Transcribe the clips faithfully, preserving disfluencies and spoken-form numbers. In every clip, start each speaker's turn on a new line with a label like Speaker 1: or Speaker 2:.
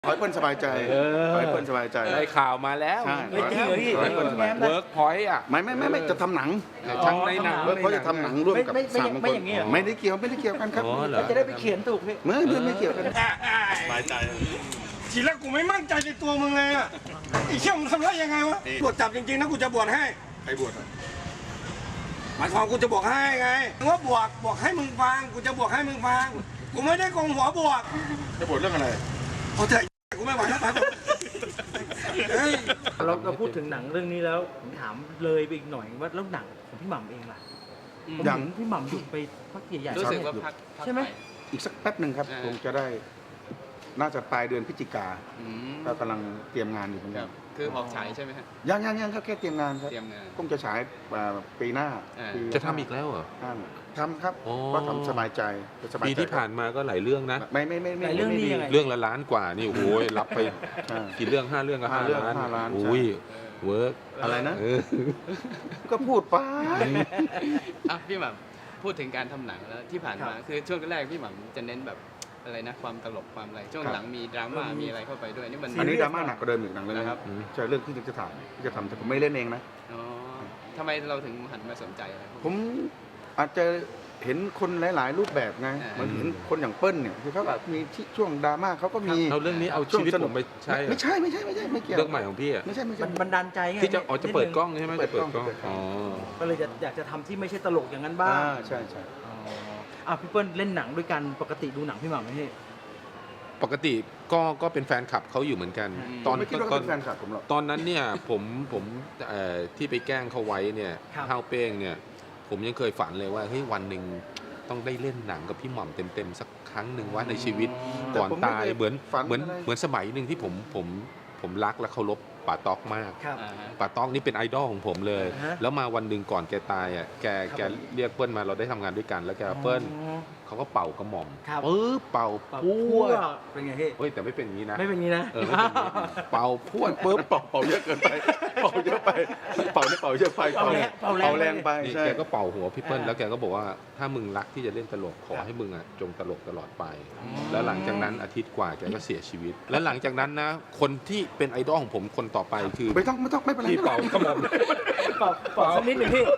Speaker 1: ขอให้เปิ้ลสบายใจขอให้เปิ้ลสบายใจ
Speaker 2: ได้ข่าวมาแล้ว
Speaker 1: ใช่
Speaker 3: ไม่จริงเหรอพี่
Speaker 1: ขอให้เปิ้ลสบายใจ
Speaker 2: เวิร์กพอยต์อ่ะ
Speaker 1: ไม่ไม่ไม่ไม่จะทำหนัง
Speaker 2: ทั้งในหนัง
Speaker 1: เวิร์กเขาจะทำหนังร่วมกับ
Speaker 3: ไม่ไม่
Speaker 1: สาม
Speaker 3: ไม่
Speaker 1: คน
Speaker 3: อย่างนี้เหรอ
Speaker 1: ไม่ได้เกี่ยวไม่ได้เกี่ยวกันครับ
Speaker 2: อ๋อเหรอ
Speaker 3: จะได้ไปเขียนถูกพี่
Speaker 1: ไม่ไม่ไม่เกี่ยวกัน
Speaker 4: สบายใจทีแรกกูไม่มั่นใจในตัวมึงเลยอ่ะไอ้เชี่ยมึงทำได้ยังไงวะบวชจับจริงๆนะกูจะบวชให้ใครบวชหมายความกูจะบวกให้ไงมึงว่าบวกบวกให้มึงฟังกูจะบวกให้มึงฟังกูไม่ได้โกงหัวบวก
Speaker 1: จะบวชเรื่องอะไร
Speaker 4: เอาเถอะกูไม่ไหวแล้วไปเฮ้ย
Speaker 3: เราเราพูดถึงหนังเรื่องนี้แล้วผมถามเลยไปอีกหน่อยว่าแล้วหนังของพี่หม่ำเองล่ะผม
Speaker 1: อย่าง
Speaker 3: เห็นพี่หม่ำหยุดไปพักใหญ่ๆ
Speaker 5: รู้สึกว่าพัก
Speaker 3: ใช่ไหม
Speaker 1: อีกสักแป๊บหนึ่งครับ
Speaker 5: อ่า
Speaker 1: คงจะได้ น่าจะปลายเดือนพฤศจิกา
Speaker 5: อืม
Speaker 1: ก็กำลังเตรียมงานอยู่เหมือน
Speaker 5: ค
Speaker 1: กั
Speaker 5: รั
Speaker 1: น
Speaker 5: บคือออกฉายใช่ไหมฮะ
Speaker 1: ยังยังยังครับแค่เตรียมงานครับ
Speaker 5: เตรียมงาน
Speaker 1: คงจะฉายอ่าปีหน้า
Speaker 5: อ่า
Speaker 1: ปี
Speaker 2: จะทำอีกแล้วเหรอ
Speaker 1: ห้าทำครับ
Speaker 2: โอ้
Speaker 1: ก็ทำสบายใจสบาย
Speaker 2: ปี
Speaker 1: ใจ
Speaker 2: ที่ผ่านมาก็หลายเรื่องนะ
Speaker 1: ไม่ไม่ไม่ไม่
Speaker 3: แต่เรื่องนี้ยังไง
Speaker 2: เรื่องละล้านกว่านี่โอ้โหรับไป
Speaker 1: ใช่
Speaker 2: กี่เรื่องห้าเรื่องก็
Speaker 1: ห้า
Speaker 2: ห้า
Speaker 1: เรื่อง
Speaker 2: ล้าน
Speaker 1: ห้าล้าน
Speaker 2: อุ้ยเวิร์ก
Speaker 1: อะไรนะ
Speaker 2: เออ
Speaker 1: ก็พูดไป
Speaker 5: อ่ะพี่หม่ำพูดถึงการทำหนังแล้วที่ผ่านมาคือช่วงแรกพี่หม่ำจะเน้นแบบอะไรนะความตลกความอะไรช่วงหลังมีดราม่ามีอะไรเข้าไปด้วยนี่มัน
Speaker 1: อันนี้ดราม่าหนักกว่าเดิมอีกหนังเลยนะ
Speaker 5: นะ
Speaker 1: ค
Speaker 5: ครั
Speaker 1: รับบ ใช่เรื่องที่จะถ่ายที่จะทำแต่ผมไม่เล่นเองนะ
Speaker 5: อ๋อทำไมเราถึงหันมาสนใจอะไรพวกนี้
Speaker 1: ผมอาจจะเห็นคนหลาย ๆ รูปแบบไง
Speaker 5: อ่า
Speaker 1: เหมือนเห็นคนอย่างเปิ้ลเนี่ยคือเขาแบบมีที่ช่วงดราม่าเขาก็มี
Speaker 2: เอาเรื่องนี้เอา
Speaker 1: ช่ว
Speaker 2: ชี
Speaker 1: ง
Speaker 2: วิต
Speaker 1: สนุ
Speaker 2: ผ
Speaker 1: ก
Speaker 2: มไปใช้เหรอ
Speaker 1: ไม่ใช่ไม่ใช่ไม่ใช่ไม่เกี่ยว
Speaker 2: เรื่องใหม่ของพี่อ่ะ
Speaker 1: ไม่ใช่ไม่ใช่
Speaker 3: มันบันดาลใจไง
Speaker 2: ที่จะอ๋อจะเปิดกล้องใช่ไหม
Speaker 1: เปิ
Speaker 2: จะ
Speaker 1: ด
Speaker 2: เปิ
Speaker 1: ก
Speaker 2: ด
Speaker 1: ล้อง
Speaker 2: กล้อง
Speaker 1: เปิดกล้อง
Speaker 2: อ๋อ
Speaker 3: ก็เลยจะอยากจะทำที่ไม่ใช่ตลกอย่างนั้นบ้าง
Speaker 1: อ่าใช่ใช่
Speaker 3: อ๋ออ่ะพี่เปิ้ลเล่นหนังด้วยกันปกติดูหนังพี่หม่ำไหมพี่
Speaker 2: ปกติก็ก็เป็นแฟนคลับเขาอยู่เหมือนกัน ตอน
Speaker 1: ไม่คิดว่า
Speaker 2: ต
Speaker 1: เขา
Speaker 2: อน
Speaker 1: เป็นแฟนคลับผมหรอก
Speaker 2: ตอนนั้นเนี่ยผมผมเอ่อที่ไปแกล้งเขาไว้เนี่ย
Speaker 3: ครับ
Speaker 2: ห้าวเป้งเนี่ยผมยังเคยฝันเลยว่าเฮ้ยวันหนึ่งต้องได้เล่นหนังกับพี่หม่ำเต็มๆสักครั้งหนึ่งว่าในชีวิตก่อนตายเหมือนเหมือนเหมือนสมัยหนึ่งที่ผมผมผมรักและเคารพป่าต๊อกมาก
Speaker 3: ครับ
Speaker 5: อ่าฮะ
Speaker 2: ป่าต๊อกนี่เป็นไอดอลของผมเลย
Speaker 3: อ่าฮะ
Speaker 2: แล้วมาวันหนึ่งก่อนแกตายอ่ะแก
Speaker 3: ครับ
Speaker 2: แกเรียกเปิ้ลมาเราได้ทำงานด้วยกันแล้วแกเปิ้ล
Speaker 3: อ๋อ
Speaker 2: เขาก็เป่ากระหม่อม
Speaker 3: ครับ
Speaker 2: ปึ๊บเป่า
Speaker 3: ปะ
Speaker 2: พ
Speaker 3: พั
Speaker 2: ว
Speaker 3: ว
Speaker 2: ด
Speaker 3: เป็นไงพี่
Speaker 2: เฮ้ยแต่ไม่เป็นอย่างนี้นะ
Speaker 3: ไม่เป็นงี้นะ
Speaker 2: เออไม่เป็นอย่างนี้เป่าพวดปึ๊บ
Speaker 1: เป่าเป่าเยอะเกินไปเป่าเยอะไปเป่าได้เป่าเยอะไป
Speaker 3: เป่าแรงเป่าแรง
Speaker 1: เป่าแรงไป
Speaker 2: นี่
Speaker 1: ใช่
Speaker 2: แกก็เป่าหัวพี่เปิ้ล
Speaker 3: อ่า
Speaker 2: แล้วแกก็บอกว่าถ้ามึงรักที่จะเล่นตลกขอให้มึงอ่ะจงตลกตลอดไป แล้วหลังจากนั้นอาทิตย์กว่าแกก็เสียชีวิต แล้วหลังจากนั้นนะคนที่เป็นไอดอลของผมคนต่อไปคือ
Speaker 1: ไม่ต้องไม่ต้องไม่เป็นไร
Speaker 2: พี่เป่ากระหม่อม
Speaker 3: เป่าเป่าสักนิดหนึ่งพี่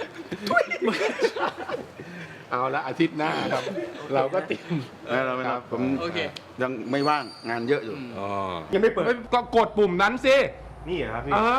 Speaker 2: เอาละอาทิตย์หน้าครับ เราก็เตรียม
Speaker 1: ไม่เราไม่
Speaker 2: ค
Speaker 1: รั
Speaker 2: รั
Speaker 1: บบ ผม
Speaker 5: โอเค
Speaker 1: ยังไม่ว่างงานเยอะอยู่
Speaker 2: อ๋อ
Speaker 4: ยังไม่เปิด
Speaker 2: ก็กดปุ่มนั้นสิ
Speaker 4: นี่เหรอครับพี่
Speaker 2: อ่า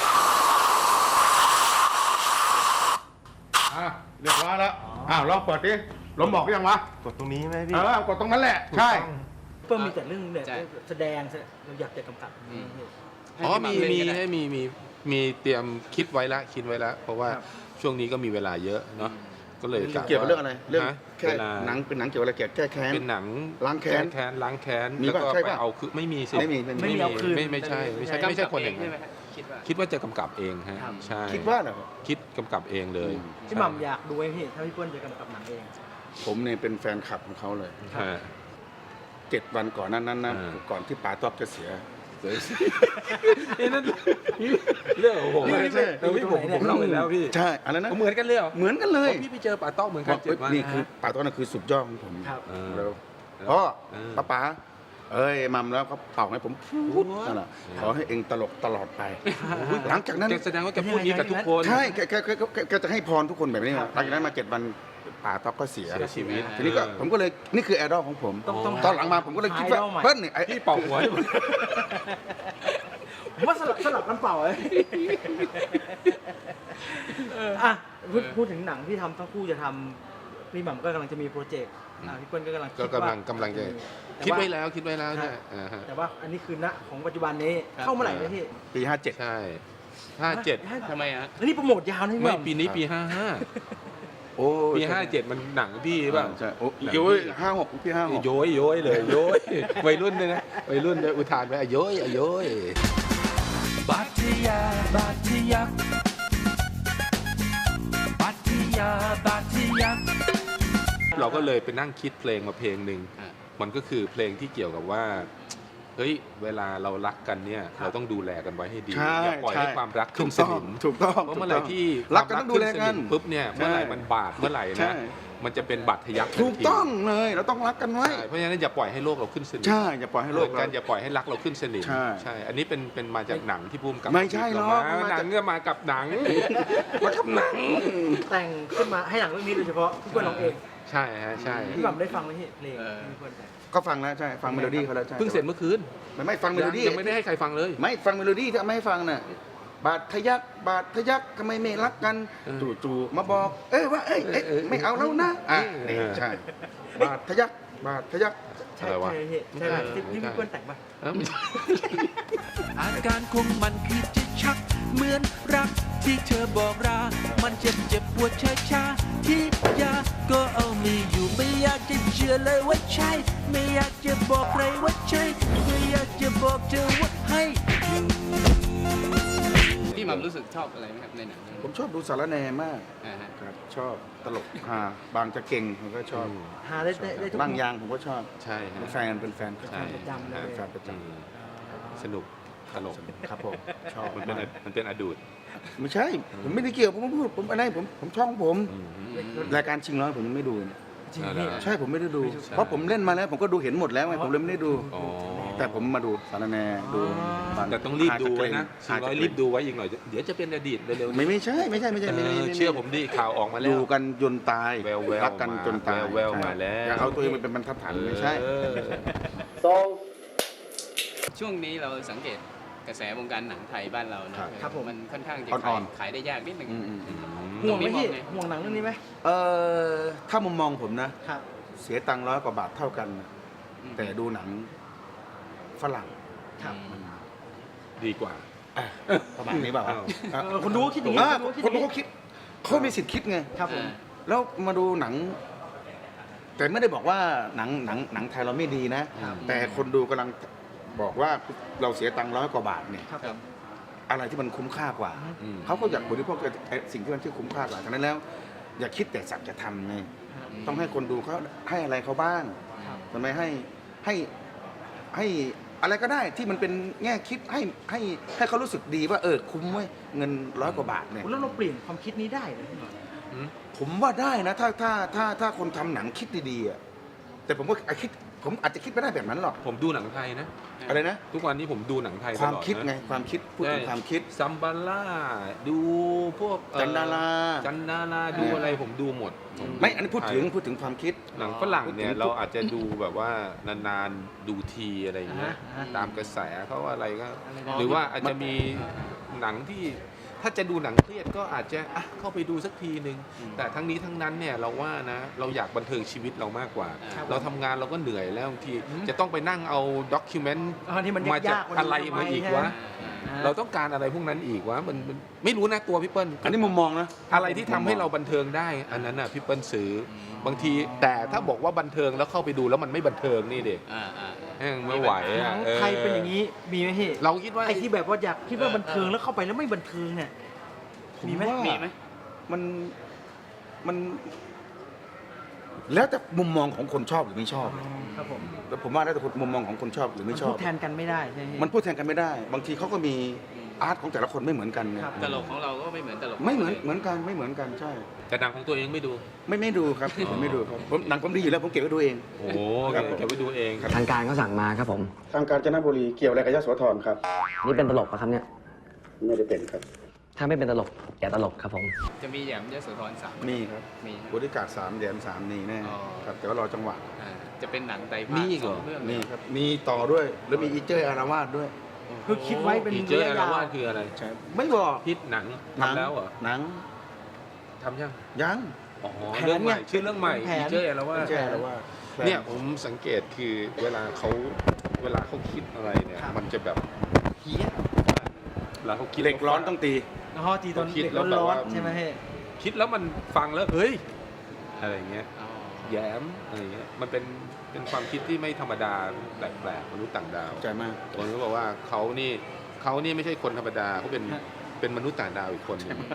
Speaker 1: อ่ะเรียบร้อยแล้วอ้าวลองเปิดดิลมบอกหรือยังวะ
Speaker 4: กดตรงนี้ไหมพี่
Speaker 1: เออกดตรงนั้นแหละ ใช่
Speaker 3: เปิ้ลมีแต่เรื่องเนี่ย
Speaker 5: ใช่
Speaker 3: แสดงเราอยากจะกำกับ
Speaker 5: อืม ให้
Speaker 2: อ๋อ
Speaker 5: พี่ห
Speaker 2: มี
Speaker 5: ม่ำเล่น
Speaker 2: มี
Speaker 5: ก็ได้
Speaker 2: ให้มีมีมีเตรียมคิดไว้แล้วคิดไว้แล้ว เพราะว่า
Speaker 3: ครับ
Speaker 2: ช่วงนี้ก็มีเวลาเยอะเนาะก็เลยะ
Speaker 1: เกี่ยวกับเรื่องอะไรเรื่อง
Speaker 2: ฮะ
Speaker 1: แค่
Speaker 2: เวลา
Speaker 1: หนังเป็นหนังเกี่ยวกับอะไรเกี่ยวกับแก้แค้น
Speaker 2: เป็นหนัง
Speaker 1: ล้างแค้น
Speaker 2: แค้นล้างแค้น
Speaker 1: มี
Speaker 2: แล้ว
Speaker 1: ป่ะ
Speaker 2: ก็
Speaker 1: ใช่
Speaker 2: ไป
Speaker 1: ป่ะ
Speaker 2: เอาคือไม่มีสิ
Speaker 1: ไม่มีไม่มี
Speaker 3: ไม่มีเอาคืน
Speaker 2: ไม่ไม่ใช่ไม่ใช่
Speaker 3: ไม่
Speaker 2: ไม่ใช่คนอย่าง
Speaker 5: ใช่
Speaker 2: นั้น
Speaker 5: ไหมฮะคิดว่า
Speaker 2: คิดว่าจะกำกับเองฮะ
Speaker 3: ครับ
Speaker 2: ใช่
Speaker 1: คิดว่าเหรอ
Speaker 2: คิดกำกับเองเลย
Speaker 1: อืม
Speaker 3: พี่หม่ำอยากดูไอ้พี่ถ้าพี่เปิ้ลจะกำกับหนังเอง
Speaker 1: ผมเนี่ยเป็นแฟนคลับของเขาเลย
Speaker 2: ใช่
Speaker 1: เจ็ดวันก่อนนั้นนั้นนะ
Speaker 2: อ่า
Speaker 1: ก่อนที่ป๋าต๊อกจะเสียเสีย
Speaker 2: เอ้นั่นเรื่องของผม
Speaker 1: ไม่ใช่
Speaker 2: เออพี่ผมผมเล่าไปแล้วพี่
Speaker 1: ใช่อะไรนะ
Speaker 2: เหมือนกันเลยเหรอ
Speaker 1: เหมือนกันเลย
Speaker 2: อ๋อพี่ไปเจอป่าต้องเหมือนกันเจ็ดวัน
Speaker 1: นี่คือป๋าต๊อกนั่นคือสุดยอดของผม
Speaker 3: ครับ
Speaker 2: เออ
Speaker 1: แล้วพ่อ
Speaker 2: เออ
Speaker 1: ป้าป๋าเอ้ยมัมแล้วเขาเป่าให้ผมพูดนั่นแหละขอให้เองตลกตลอดไป หลังจากนั้น
Speaker 2: แกแสดงว่าแกพูดนี้กับทุกคน
Speaker 1: ใช่แกแกแกแกแกจะให้พรทุกคนแบบนี้นะหลังจากนั้นมาเจ็ดวันป๋าต๊อกก็เสีย
Speaker 2: เสียชีวิต
Speaker 1: ทีนี้ก็ผมก็เลยนี่คือแอดอลของผม
Speaker 3: ต้องต้อง
Speaker 1: ตอนหลังมาผมก็เลยคิดว่า
Speaker 3: ไอดอลใหม่
Speaker 1: เปิ้ลเนี่ยไอ้
Speaker 2: พี่เป่าหัว
Speaker 3: ผมว่าสลับสลับกันเป่าเลยอ่ะพูดพูดถึงหนังที่ทำทั้งคู่จะทำพี่หม่ำก็กำลังจะมีโปรเจกต์อ่ะพี่เปิ้ลก็กำลังคิ
Speaker 2: ก็
Speaker 3: ดว่าก
Speaker 2: ำลังกำลังจะ
Speaker 3: แต่
Speaker 2: คิด
Speaker 3: ว่า
Speaker 2: ไว้แล้วคิดไว้แล้วเนี่ยอ่าฮะ
Speaker 3: แต่ว่าอันนี้คือณของปัจจุบันนี้เข้าเมื่อไหร่นะพี่
Speaker 1: ปีห้าเจ็ด
Speaker 2: ใช่ห้าเจ็ด
Speaker 5: ทำไมฮะ
Speaker 3: แล้วนี่โปรโมทยาวนะพี่ห
Speaker 2: ไม่
Speaker 3: ม่ำ
Speaker 2: ปีนี้ปีห้าห้า
Speaker 1: โอ้
Speaker 2: ปีห้าเจ็ดมันหนังพี่ป่ะ
Speaker 1: ใช่โอ้ยโอ้ยห้าหกพี่ห้าหก
Speaker 2: โย้ยโย้ยเลยโย้ยวัยรุ่นเลยนะวัยรุ่นเลยอุทานไปอ่ะโย้ยอ่ะโย้ย
Speaker 6: บัตยาบัตยักบัตยาบัตยัก
Speaker 2: เราก็เลยไปนั่งคิดเพลงมาเพลงหนึ่ง
Speaker 5: อ่ะ
Speaker 2: มันก็คือเพลงที่เกี่ยวกับว่าเฮ้ยเวลาเรารักกันเนี่ย
Speaker 3: ครับ
Speaker 2: เราต้องดูแลกันไว้ให้ดี
Speaker 1: ใช่
Speaker 2: อย่าปล่อยให้
Speaker 1: ใช่
Speaker 2: ความรักขึ้นส
Speaker 1: ถูกต้
Speaker 2: นิ
Speaker 1: อง
Speaker 2: ม
Speaker 1: ถูกต้อง
Speaker 2: เพราะเมื่อไหร่ที่
Speaker 1: รักกันต้องดูแลกัน
Speaker 2: ความรัขึ้สมปุ๊บเนี่ยเมื่อไหร่มันบาดเมื่อไหร่
Speaker 1: ใช่
Speaker 2: นะมันจะเป็นบาดทะยัก
Speaker 1: ถูกต้องเลยเราต้องรักกันไว้
Speaker 2: ใช่เพราะฉะนั้นอย่าปล่อยให้โลกเราขึ้นสนิม
Speaker 1: ใช่อย่าปล่อยให้โลก
Speaker 2: เหมือน
Speaker 1: เรา
Speaker 2: กันอย่าปล่อยให้รักเราขึ้นสนิม
Speaker 1: ใช่
Speaker 2: ใช่ อันนี้เป็นเป็นมาจากหนังที่พุ่มกับ
Speaker 1: ไม่ใช่หรอก
Speaker 2: เา
Speaker 1: มันมา
Speaker 2: หนั
Speaker 1: จาก
Speaker 2: งเนี่ยมากับหนัง
Speaker 1: มาทำหนัง
Speaker 3: แต่งขึ้นมาให้หนังเรื่องนี้โดยเฉพาะพี่เปิ้ลร้องเอง
Speaker 2: ใช่ฮะใช่
Speaker 3: พี่หม่ำได้ฟังไหมพี่เพลงที่พี่เปิ้ลแต่ง
Speaker 1: ก็ฟังแล้วใช่ฟังเมโลดี้เขาแล้วใช่
Speaker 2: เพิ่งเสร็จเมื่อคืน
Speaker 1: ไม่ไม่ฟังเมโลดี้
Speaker 2: ยังไม่ได้ให้ใครฟังเลย
Speaker 1: ไม่ฟังเมโลดี้ที่เอามาให้ฟังน่ะบาดทะยักบาดทะยักทำไมไม่รักกัน
Speaker 2: เออ
Speaker 1: จู่ๆมาบอก เอ้ยว่าเอ้ยเอ้ย
Speaker 2: เออเออ
Speaker 1: ไม่เอาแล้วนะอ่ะ
Speaker 2: เออ
Speaker 1: นี่ใช่บาดทะยักบาดทะยัก
Speaker 3: ใช่
Speaker 2: อะไรวะ
Speaker 3: ใช่พี่ใช่ไหม
Speaker 2: เออ
Speaker 3: ที่ที่พี่เปิ้ลแต่งป่ะ
Speaker 2: เอ้าไม่ใช่
Speaker 6: อาการของมันคือจะชัก เหมือนรักที่เธอบอกรา มันเจ็บเจ็บปวดชาชาที่ยาก็เอาไม่อยู่ไม่อยากจะเชื่อเลยว่าใช่ ไม่อยากจะบอกใครว่าใช่ ไม่อยากจะบอกเธอว่าให้อยู่
Speaker 5: พี่หม่ำรู้สึกชอบอะไรไหมครับในหนังเรื่อง
Speaker 1: ผม
Speaker 5: นี้
Speaker 1: ชอบดูสารแหนมาก
Speaker 5: อ่าฮะ
Speaker 1: ครับชอบตลกฮาบางจะเก่งผมก็ชอบ
Speaker 3: หาได้ได้ได้ทุก
Speaker 1: บางยางผมก็ชอบ
Speaker 2: ใช่ฮะ
Speaker 1: เป็นแฟนเป็นแฟน
Speaker 2: ใช่
Speaker 3: ประจำเลย
Speaker 1: เป็นแฟนประจ
Speaker 2: อืมสนุกตลก
Speaker 1: ำครับผมชอบ
Speaker 2: มันเป็น
Speaker 1: มาก
Speaker 2: มันเป็นอดูด
Speaker 1: ไม่ใช่ ผมไม่ได้เกี่ยวผมพูดผมอะไรผมผมช่องผม
Speaker 2: อืม
Speaker 1: รายการชิงร้อยผมยังไม่ดู
Speaker 3: จริง
Speaker 2: เอา
Speaker 3: พี่
Speaker 2: ละ
Speaker 1: ใช่ผมไม่ได้ดู
Speaker 2: ใช่
Speaker 1: เพราะผมเล่นมาแล้วผมก็ดูเห็นหมดแล้วไงผมเลยไม่ได้ดู
Speaker 2: อ๋อ
Speaker 1: แต่ผมมาดูสารแหนดูบา
Speaker 2: แต่ต้องรีบดูไว้นะ
Speaker 1: หา
Speaker 2: สี่
Speaker 1: จะ
Speaker 2: ร้อย
Speaker 1: เก
Speaker 2: รีบดูไว้อีกหน่อย เดี๋ยวจะเป็นอดีตเร็วๆ
Speaker 1: ไม่ไม่ใช่ไม่ใช่ไม่ใช่ไม่
Speaker 2: เอ
Speaker 1: ไม่
Speaker 2: อ
Speaker 1: ไม่
Speaker 2: เชื่อผมดิข่าวออกมาแล้ว
Speaker 1: ดูกันจนตาย
Speaker 2: แววๆ
Speaker 1: รักกันจนตาย
Speaker 2: แววๆมาแล้ว
Speaker 1: อย่าเอาตัวเองไปเป็นบรรทัดฐานไม่ใช่
Speaker 2: เออ
Speaker 5: ช่วงนี้เราสังเกตกระแสวงการหนังไทยบ้านเรานะครับ
Speaker 3: ผม
Speaker 5: มันค่อนข้างจะ
Speaker 1: อ่
Speaker 5: ขา
Speaker 1: อย น
Speaker 5: ขายได้ยากนิดนึง
Speaker 1: อืมอืมอืม
Speaker 3: ห่วงไหมพี่
Speaker 5: ตรงนี้มองไง
Speaker 3: ห่วงหนังเรื่องนี้ไหม
Speaker 1: เออถ้ามุมมองผมนะ
Speaker 3: ครับ
Speaker 1: เสียตังค์ร้อยกว่าบาทเท่ากันนะ
Speaker 5: อืม
Speaker 1: แต่ดูหนังฝรั่ง
Speaker 3: ครับ
Speaker 2: ดีกว่า
Speaker 1: อ่ะประมาณนี้เปล่า
Speaker 2: อ้าว
Speaker 1: อ่ะ
Speaker 3: เออคนดูก็คิดอย่างนี้
Speaker 1: อ่ะ
Speaker 3: คนดูก็คิด
Speaker 1: คน
Speaker 3: อย่าง
Speaker 1: ดู
Speaker 3: นี้
Speaker 1: เขาคิดเขามีสิทธิ์คิดไง
Speaker 3: ครับผม
Speaker 1: แล้วมาดูหนัง แต่ไม่ได้บอกว่าหนังหนังหนังไทยเราไม่ดีนะ
Speaker 3: ครับ
Speaker 1: แต่คนดูกำลังบอกว่าเราเสียตังค์ร้อยกว่าบาทเนี่ย
Speaker 3: ครับผม
Speaker 1: อะไรที่มันคุ้มค่ากว่า
Speaker 2: อืม
Speaker 1: เขาก็อยากบริโภคไอ้สิ่งที่มันที่คุ้มค่ากว่าฉะนั้นแล้ว อย่าคิดแต่สักจะทำไงต้องให้คนดูเขาให้อะไรเขาบ้าง
Speaker 3: ครับ
Speaker 1: ทำไมให้ให้ให้อะไรก็ได้ที่มันเป็นแง่คิดให้ให้ให้เขารู้สึกดีว่าเออคุ้มเว้ยเงินร้อยกว่าบาทเนี่ย
Speaker 3: แล้วเราเปลี่ยนความคิดนี้ได้เลยพี่หม่ำ
Speaker 2: อืม
Speaker 1: ผมว่าได้นะ ถ้าถ้าถ้าถ้าคนทำหนังคิดดีๆอะแต่ผมก็ไอคิดผมอาจจะคิดไม่ได้แบบนั้นหรอก
Speaker 2: ผมดูหนังไทยนะ
Speaker 1: อะไรนะ
Speaker 2: ทุกวันนี้ผมดูหนังไทยต
Speaker 1: ความ
Speaker 2: ลอด
Speaker 1: คิด
Speaker 2: นะ
Speaker 1: ไงความคิดพูดถึงความคิด
Speaker 2: ซัมบาร่าดูพวกเอ่อ
Speaker 1: จันดารา
Speaker 2: จันดาราดูอะไรผมดูหมดผ
Speaker 1: ไม่อันนี้พูดถึงพูดถึงความคิด
Speaker 2: หนังฝรั่งเนี่ย
Speaker 1: พูดถึง
Speaker 2: เราอาจจะดูแบบว่านานๆดูทีอะไรอย่างเงี้ย
Speaker 3: อ่าฮะ
Speaker 2: ตามกระแสเขาอะไรก็
Speaker 3: อะไรนะ
Speaker 2: หรือว่าอาจจะมีหนังที่ถ้าจะดูหนังเครียดก็อาจจะอ่ะเข้าไปดูสักทีหนึ่งแต่ทั้งนี้ทั้งนั้นเนี่ยเราว่านะเราอยากบันเทิงชีวิตเรามากกว่า
Speaker 3: ครับ
Speaker 2: เราทำงานเราก็เหนื่อยแล้วบางที
Speaker 3: อืม
Speaker 2: จะต้องไปนั่งเอาด็อกิเมนต์
Speaker 3: อ่าที่มัน
Speaker 2: มาจาก
Speaker 3: ยากๆมัน
Speaker 2: อะไรมาอีกวะ
Speaker 3: อ่า
Speaker 2: เราต้องการอะไรพวกนั้นอีกวะมันมันไม่รู้นะตัวพี่เปิ้ล
Speaker 1: อันนี้มุมมองนะ
Speaker 2: อะไรที่ทำให้เราบันเทิงได้ อันนั้นน่ะพี่เปิ้ลซื้ออบางทีแต่ถ้าบอกว่าบันเทิงแล้วเข้าไปดูแล้วมันไม่บันเทิงนี่เด็ก
Speaker 5: อ่าอ่า
Speaker 2: แม่งไม่ไหว
Speaker 3: หนั
Speaker 2: อ่ะ
Speaker 3: ง
Speaker 2: ออ
Speaker 3: ไทยเป็นอย่างนี้มีไหมพี่
Speaker 2: เราคิดว่า
Speaker 3: ไอ้ที่แบบว่าอยากคิดว่าบันเทิงแล้วเข้าไปแล้วไม่บันเทิงเนี่ย
Speaker 1: ผม
Speaker 3: มีไหม
Speaker 1: ว่า
Speaker 5: มีไหม
Speaker 1: มันมัน แล้วแต่มุมมองของคนชอบหรือไม่ชอบ
Speaker 3: ครับผม
Speaker 1: แล้วผมว่าแล้วแต่มุมมองของคนชอบหรือ
Speaker 3: มัน
Speaker 1: ไม่ช
Speaker 3: พู
Speaker 1: อบ
Speaker 3: ดแทนกันไม่ได้ใช่ไหม
Speaker 1: มันพูดแทนกันไม่ได้ บางทีเขาก็มีอาร์ตของแต่ละคนไม่เหมือนกันไง
Speaker 3: ครับ
Speaker 5: ตลกของเราก็ไม่เหมือนตลก
Speaker 1: ไม่เหมือนเหมือนกันไม่เหมือนกันใช่
Speaker 2: แต่หนังของตัวเองไม่ดู
Speaker 1: ไม่ไม่ดูครับผมไม่ดูครับผมหนังผมดีอยู่แล้วผมเก็บไว้ดูเอง
Speaker 2: โอ้โห
Speaker 1: ครับผม
Speaker 2: เก็บไว้ดูเอง
Speaker 7: ทางการเขาสั่งมาครับผม
Speaker 1: ทางกาญจนบุรีเกี่ยวอะไรกับยโสธรครับ
Speaker 7: นี่เป็นตลกปะครับเนี่ย
Speaker 1: ไม่ได้เป็นครับ
Speaker 7: ถ้าไม่เป็นตลกอย่าตลกครับผม
Speaker 5: จะมีแหยมยโสธรสาม
Speaker 1: นี่ครับ
Speaker 5: มี
Speaker 1: บริการสามเหรียญสามนี่แน่
Speaker 5: อ๋อ
Speaker 1: ครับแต่ว่ารอจังหวะ
Speaker 5: อ่าจะเป็นหนังไตรภา
Speaker 2: มี
Speaker 5: ค
Speaker 2: อีก
Speaker 5: ส
Speaker 2: เหร
Speaker 5: อ
Speaker 2: อ
Speaker 5: งเรื่อง
Speaker 1: นี่ครับมีต่อด้วยแล้วมีอีเจอร์อาราวาสด้วย
Speaker 3: คือคิดไว้เป็น
Speaker 2: อีเจอ
Speaker 3: ระ
Speaker 2: ร์
Speaker 3: ยะ
Speaker 2: อาร
Speaker 3: ยาว
Speaker 2: วาสคืออะไร
Speaker 1: ใช่ไม่บอก
Speaker 2: พิษหนัง
Speaker 1: หนัง
Speaker 2: ทำแล้วเหรอ
Speaker 1: หนัง
Speaker 2: ทำยัง
Speaker 1: ยัง
Speaker 2: อ๋อ
Speaker 3: แผน
Speaker 2: เรื่องใหม่
Speaker 3: เนี่ย
Speaker 2: ชื่อเรื่องใหม่
Speaker 3: แผน
Speaker 2: อีเจอร์อารวา
Speaker 1: อี
Speaker 2: ส
Speaker 1: เจอร์อาราวาส
Speaker 2: เนี่ยผมสังเกตคือเวลาเขาเวลาเขาคิดอะไรเนี่ยมันจะแบบเฮี้ยเวลาเขาคิด
Speaker 1: เหล็กร้อนต้องตี
Speaker 3: อ๋อจีตอน
Speaker 2: คิด
Speaker 3: เด็ก
Speaker 2: แล้วแบบ
Speaker 3: ร้อน
Speaker 2: ว่า
Speaker 3: ๆใช่ไหมพี่
Speaker 2: คิดแล้วมันฟังแล้วเฮ้ยอะไรเงี้ย
Speaker 5: อ๋อ
Speaker 2: แย้มอะไรเงี้ยมันเป็นเป็นความคิดที่ไม่ธรรมดาแปลกๆมนุษย์ต่างดาว
Speaker 1: ใจมาก
Speaker 2: ผมก็บอกว่าเขานี่เขานี่ไม่ใช่คนธรรมดาเขาเป็น
Speaker 3: ฮะ
Speaker 2: เป็นมนุษย์ต่างดาวอีกคนหนึง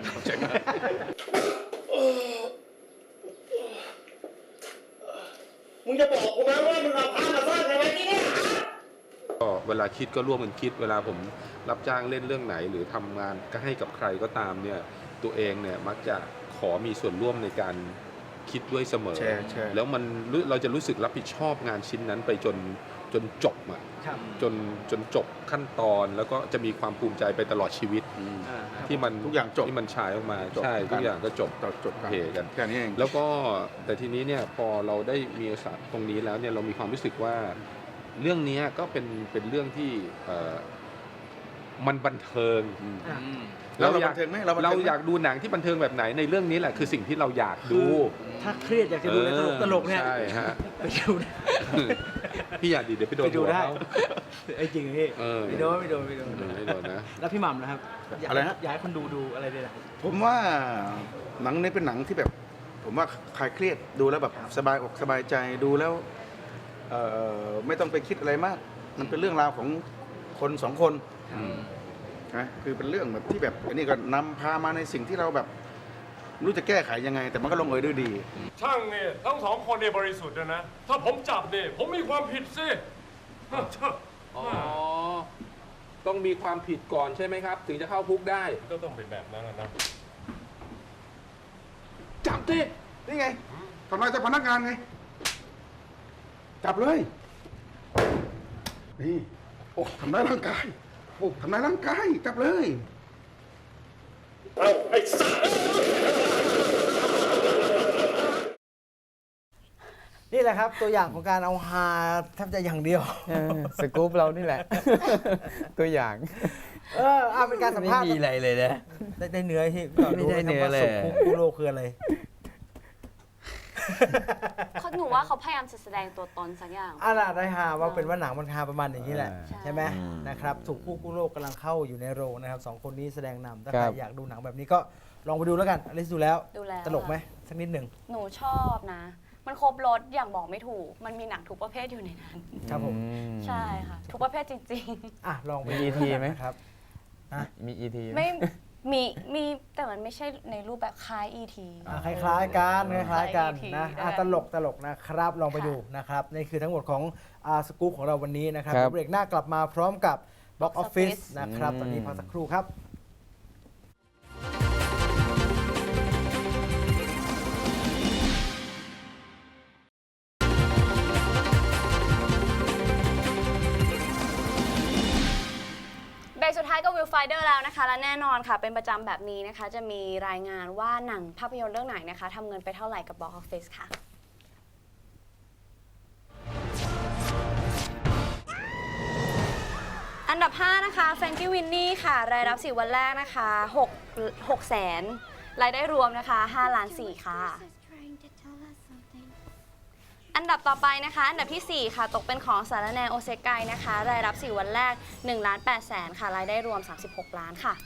Speaker 8: มึงจะบอกกูไหมว่ามึงเอาผ้ามาซ่อนไว้ที่นี่
Speaker 2: ก็เววลาคิดก็ร่วมกันคิด เวลาผมรับจ้างเล่นเรื่องไหน หรือทำงานก็ให้กับใครก็ตามเนี่ยตัวเองเนี่ยมักจะขอมีส่วนร่วมในการคิดด้วยเสมอ
Speaker 1: แชร์แชร์
Speaker 2: แล้วมันรู้เราจะรู้สึกรับผิดชอบงานชิ้นนั้นไปจนจนจบอ่ะ
Speaker 3: ครับ
Speaker 2: จนจนจบขั้นตอนแล้วก็จะมีความภูมิใจไปตลอดชีวิต
Speaker 5: อ่าครับ
Speaker 2: ที่มัน
Speaker 1: ทุกอย่างจบ
Speaker 2: ที่มันฉายออกมา
Speaker 1: จบ
Speaker 2: ใช่
Speaker 1: กัน
Speaker 2: ทุกอย่างก็จบ
Speaker 1: จบจบกัน
Speaker 2: เทกัน
Speaker 1: แค่นี้เอง
Speaker 2: แล้วก็แต่ทีนี้เนี่ยพอเราได้มีโอกาสตรงนี้แล้วเนี่ยเรามีความรู้สึกว่าเรื่องนี้ก็เป็นเป็นเรื่องที่เอ่อมันบันเทิง
Speaker 3: อ่ะ
Speaker 1: แล้วเรา
Speaker 2: อยา
Speaker 1: บั
Speaker 2: ก
Speaker 1: นเทิงไหมเราบัน
Speaker 2: เรา
Speaker 1: เทิงไหม
Speaker 2: อยากดูหนังที่บันเทิงแบบไหนในเรื่องนี้แหละคือสิ่งที่เราอยากดู
Speaker 3: ถ้าเครียดอยากจะดูอะไรตลกตลกๆเนี่ย
Speaker 2: ใช่ฮะ
Speaker 3: ไปดูได้
Speaker 2: พี่อยากดีเดี๋ยวไปโดน
Speaker 3: ไปดู
Speaker 2: หัว
Speaker 3: ได้
Speaker 2: เขา
Speaker 3: ไอ้จริงพี่
Speaker 2: เออ
Speaker 3: ไม่โดนไม่โดนไม่โดน
Speaker 2: ไม่โดนนะ
Speaker 3: แล้วพี่หม่ำนะครับยาก
Speaker 1: อะไรฮะ
Speaker 3: อยากให้คนดูดูอะไรด้วยนะ
Speaker 1: ผมว่าหนังนี้เป็นหนังที่แบบ ผมว่าคลายเครียดดูแล้วแบบสบายอกสบายใจดูแล้วเอ่อไม่ต้องไปคิดอะไรมาก มันเป็นเรื่องราวของคนสองคนนะคือเป็นเรื่องแบบที่แบบอันนี้ก็นำพามาในสิ่งที่เราแบบไม่รู้จะแก้ไขยังไง แต่มันก็ลงเอยด้วยดี
Speaker 8: ช่างเนี่ยทั้งสองคนเนี่ยบริสุทธิ์นะนะ ถ้าผมจับเนี่ยผมมีความผิดสิ
Speaker 2: อ๋อต้องมีความผิดก่อนใช่ไหมครับ ถึงจะเข้าคุกได้
Speaker 8: ก็ต้องเป็นแบบนั้นนะ
Speaker 1: จับดินี่ไงทำลายเจ้าพนักงานไง จับเลย นี่ โอ้ทำร้ายร่างกาย โอ้ทำร้ายร่างกาย จับเลย
Speaker 3: นี่แหละครับตัวอย่างของการเอาฮาแทบจะอย่างเดียว
Speaker 9: เออสกู๊ปเรานี่แหละ ตัวอย่าง
Speaker 3: เออเอาเป็นการสัม
Speaker 9: ไม่
Speaker 3: ภาษณ์
Speaker 9: มีอะไรเลยนะ
Speaker 3: ได้ได้เนื้อที่
Speaker 9: ไม่ได้เนื้อเลย
Speaker 3: สุกุโลคืออะไร
Speaker 10: เขาหนูว่าเขาพยายามจะแสดงตัวตนสักอย่าง
Speaker 3: อ่ะล่ะได้ฮาว่าเป็นว่าหนังมันฮาประมาณอย่างนี้แหละ
Speaker 9: ใช่
Speaker 3: ใช่ไหมนะครับสุกุกุโลกำลังเข้าอยู่ในโรงนะครับสองคนนี้แสดงนำถ้า
Speaker 9: ครั
Speaker 3: ใคร
Speaker 9: บ
Speaker 3: อยากดูหนังแบบนี้ก็ลองไปดูแล้วกันอลิซดูแล้ว
Speaker 10: ดูแล้ว
Speaker 3: ตลกไหมสักนิดหนึ่ง
Speaker 10: หนูชอบนะ มันครบรถอย่างบอกไม่ถูก มันมีหนังทุกประเภทอยู่ในนั้น
Speaker 3: ครับผม
Speaker 9: อืม
Speaker 10: ใช่ค่ะ ทุกประเภทจริง
Speaker 3: อ่ะลองไป
Speaker 9: มี
Speaker 3: ดู
Speaker 9: อี ที ไหม
Speaker 3: นะครับ
Speaker 9: มี อี ที
Speaker 10: ๆ ไม่มีมีแต่มันไม่ใช่ในรูปแบบคล้าย อี ที
Speaker 3: อ่ะคล้ายๆกันคล้ายๆกัน
Speaker 10: คล้าย
Speaker 3: นะ
Speaker 10: อี ที
Speaker 3: อ่ะ
Speaker 10: ได้
Speaker 3: ตลกตลกนะครับ ลองไปดูนะครับนี่คือทั้งหมดของอาสกู๊ปของเราวันนี้นะครับ
Speaker 9: ครับ
Speaker 3: เบรกหน้ากลับมาพร้อมกับ Box Office นะครับ
Speaker 9: อืม
Speaker 3: ตอนนี้พักสักครู่ครับ
Speaker 10: เบรกสุดท้ายก็วิวไฟเดอร์แล้วนะคะ และแน่นอนค่ะ เป็นประจำแบบนี้นะคะ จะมีรายงานว่าหนังภาพยนตร์เรื่องไหนนะคะทำเงินไปเท่าไหร่กับ Box Office ค่ะ อันดับ ห้า นะคะแฟรงกี้วินนี่ค่ะ รายรับสี่วันแรกนะคะ6แสนรายได้รวมนะคะห้าล้านสี่ค่ะ อันดับต่อไปนะคะ อันดับที่ สี่ ค่ะ ตกเป็นของสารแนโอเซไกนะคะ รายรับสี่วันแรกหนึ่งล้านแปดแสนค่ะ รายได้รวมสามสิบหกล้านค่ะ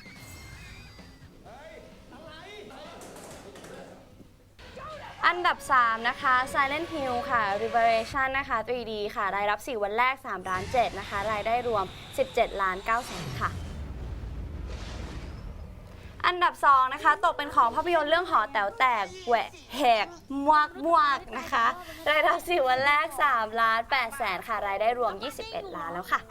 Speaker 10: อันดับ สาม นะคะ Silent Hill ค่ะ Revelation นะคะ ทรี ดี ค่ะ รายรับสี่วันแรกสามล้านเจ็ดนะคะ รายได้รวมสิบเจ็ดล้านเก้าแสนค่ะ อันดับ สอง นะคะ ตกเป็นของภาพยนตร์เรื่องหอแต๋วแตกแหวกแหกมวกมวกนะคะ รายรับสี่วันแรกสามล้านแปดแสนค่ะ รายได้รวมยี่สิบเอ็ดล้านแล้วค่ะ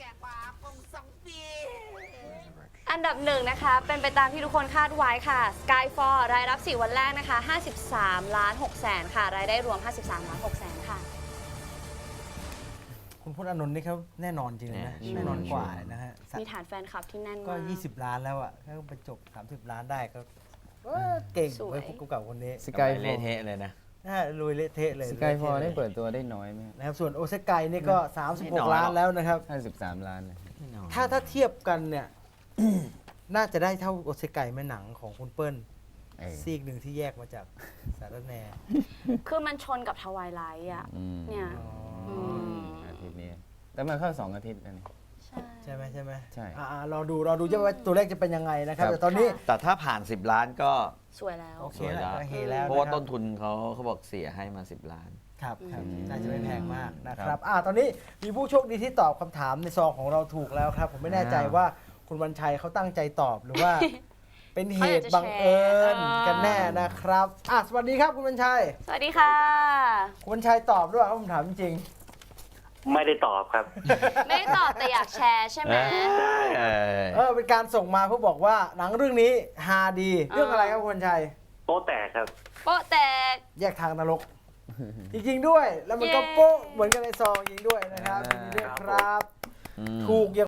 Speaker 10: อันดับหนึ่งนะคะ เป็นไปตามที่ทุกคนคาดไว้ค่ะ Skyfall รายรับสี่วันแรกนะคะห้าสิบสามล้านหกแสนค่ะ รายได้รวมห้าสิบสามล้านหกแสนค่ะ
Speaker 3: คุณพจน์อานนท์นี่เขาแน่นอนจริงเลยนะ
Speaker 9: เนี่ย
Speaker 3: แน่นอนกว่านะฮะ
Speaker 10: มีฐานแฟนคลับที่แน่น
Speaker 3: ก็
Speaker 10: มาก
Speaker 3: ยี่สิบล้านแล้วอ่ะถ้าไปจบสามสิบล้านได้ก็เออเก่ง
Speaker 10: สวย
Speaker 3: ไว้ยคู่กับคนนี้
Speaker 9: สกายฟ
Speaker 7: เละ
Speaker 9: อร์
Speaker 7: เทะเลยนะ
Speaker 3: น่าลุยเละเทะเลย
Speaker 9: สกายฟอร์
Speaker 3: ละ
Speaker 9: ได้
Speaker 3: ทะ
Speaker 9: เปิดตัวได้น้อยไหม
Speaker 3: นะครับส่วนโอเซไกนี่ก็
Speaker 7: ไม่
Speaker 3: สามสิบห
Speaker 7: น้
Speaker 3: ก
Speaker 7: อย
Speaker 3: ล้าน
Speaker 7: หรอก
Speaker 3: แล้วนะครับ
Speaker 9: ห้าสิบสามล้านเลย
Speaker 3: ถ้าถ้าเทียบกันเนี่ย น่าจะได้เท่าโอเซไกแม่หนังของคุณเปิ้ล
Speaker 9: เออ
Speaker 3: ซีกหนึ่งที่แยกมาจากสารแหน
Speaker 10: คือมันชนกับทวายไลท์อ่ะ
Speaker 9: อืม
Speaker 10: เนี่ย
Speaker 3: อ๋อ
Speaker 10: ม
Speaker 9: อาทิตย์นี้แต่มาเข้าสองอาทิตย์แล้วนี่
Speaker 10: ใช่
Speaker 3: ใช่ไหมใช่ไหม
Speaker 9: ใช่
Speaker 3: อ่ารอดูรอดูว่าตัวเลขจะเป็นยังไงนะครับ
Speaker 9: ครับ
Speaker 3: แต่ตอนนี้
Speaker 7: แต่ถ้าผ่าน สิบล้านก็
Speaker 10: สวยแล้ว
Speaker 3: โอเค
Speaker 7: สวยแล้
Speaker 3: แล้ว
Speaker 7: ว
Speaker 3: โอเคแล้ว
Speaker 7: เพราะว่า
Speaker 3: คบ
Speaker 7: ต้นทุนเขาเขาบอกเสียให้มา สิบล้าน
Speaker 3: ครับครับ
Speaker 10: อืม
Speaker 3: น่าจะไม่แพงมากนะค
Speaker 9: ครั
Speaker 3: รับบ อ่าตอนนี้มีผู้โชคดีที่ตอบคำถามในซองของเราถูกแล้วครับ ผมไม่แน่ใจ
Speaker 9: อ้าว
Speaker 3: ว่าคุณวันชัยเขาตั้งใจตอบหรือว่า เป็นเหตุ
Speaker 10: เขาอยากจะ
Speaker 3: บังเอิญ
Speaker 10: แชร์
Speaker 3: กันแน่นะครับอ่ะสวัสดีครับคุณวันชัย
Speaker 10: สวัสดีค่ะ
Speaker 3: คุณวันชัยตอบด้วยครับผมถามจริง
Speaker 11: ไม่ได้ตอบครับ
Speaker 10: ไม่ได้ตอบแต่อยากแชร์ใช่ไหม
Speaker 7: เออ
Speaker 3: เออเป็นการส่งมาเพื่อบอกว่าหนังเรื่องนี้ฮาดี เรื่องอะไรครับคุณชัย
Speaker 11: โป๊ะแตกครับ
Speaker 10: โป๊ะแตก
Speaker 3: แยกทางนรก จริงๆด้วย แล้วมันก็
Speaker 10: เย้
Speaker 3: โป๊ะเหมือนกันในซองจริงด้วยนะครับยินดีด้วยครับ ถูกอย่าง